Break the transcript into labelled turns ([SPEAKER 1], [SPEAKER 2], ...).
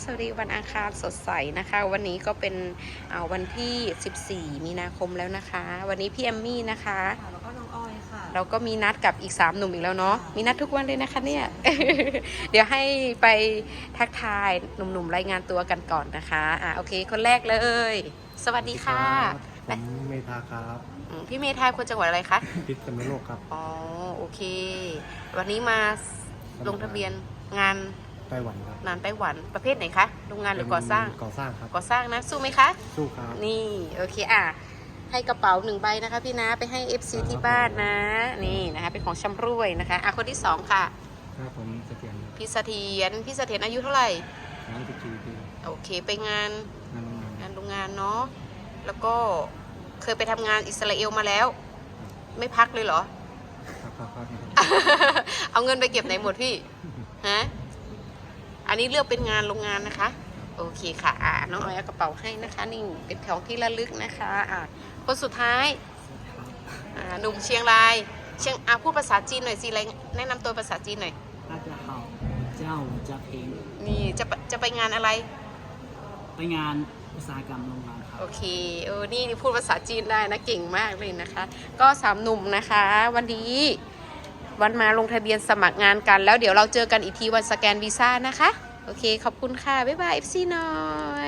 [SPEAKER 1] สวัสดีวันอังคารสดใสนะคะวันนี้ก็เป็นวันที่14มีนาคมแล้วนะคะวันนี้พี่แอมมี่นะคะ
[SPEAKER 2] แล้วก็น้องออยค่ะ
[SPEAKER 1] เราก็มีนัดกับอีก3หนุ่มอีกแล้วเนาะมีนัดทุกวันเลยนะคะเนี่ย เดี๋ยวให้ไปทักทายหนุ่มๆรายงานตัวกันก่อนนะคะโอเคคนแรกเลยสวัสดีค่ะ
[SPEAKER 3] ผมเมธาครับ
[SPEAKER 1] พี่เมธาคนจังหวัดอะไรคะ
[SPEAKER 3] พิษณุโลกครับ
[SPEAKER 1] อ๋อโอเควันนี้มาลงทะเบียนงาน
[SPEAKER 3] ไต้หวันครับ
[SPEAKER 1] นานไต้หวันประเภทไหนคะโรงงานหรือก่อสร้าง
[SPEAKER 3] ก่อสร้างครับ
[SPEAKER 1] ก่อสร้างนะสู้ไหมคะ
[SPEAKER 3] สู้ครับ
[SPEAKER 1] นี่โอเคให้กระเป๋า1 ใบนะคะพี่นะไปให้ FC ที่บ้านนะนี่นะคะเป็นของชำร่วยนะคะคนที่2ค่ะ
[SPEAKER 3] ครับผมเสถียร
[SPEAKER 1] พี่เสถียรอายุเท่าไหร่
[SPEAKER 3] 34 ปี
[SPEAKER 1] โอเคไปงาน
[SPEAKER 3] งานโรงงาน
[SPEAKER 1] โรงงานเนาะแล้วก็เคยไปทำงานอิสราเอลมาแล้ว ไม่พักเลยเหรอ
[SPEAKER 3] ครับ
[SPEAKER 1] เอาเงินไปเก็บไหนหมดพี่ฮะอันนี้เลือกเป็นงานโรงงานนะคะโอเคค่ะน้องออยเอากระเป๋าให้นะคะนี่เป็นของที่ระลึกนะคะคนสุดท้ายหนุ่มเชียงรายพูดภาษาจีนหน่อยสิแนะนำตัวภาษาจีนหน่อย
[SPEAKER 2] 大家好เจ้าจะเพลง
[SPEAKER 1] นี่จะไปงานอะไร
[SPEAKER 2] ไปงานอุตสาหกรรมโรงงานครับ
[SPEAKER 1] โอเคนี่พูดภาษาจีนได้นะเก่งมากเลยนะคะก็3 หนุ่มนะคะวันนี้วันมาลงทะเบียนสมัครงานกันแล้วเดี๋ยวเราเจอกันอีกทีวันสแกนวีซ่านะคะโอเคขอบคุณค่ะบ๊ายบาย FC หน่อย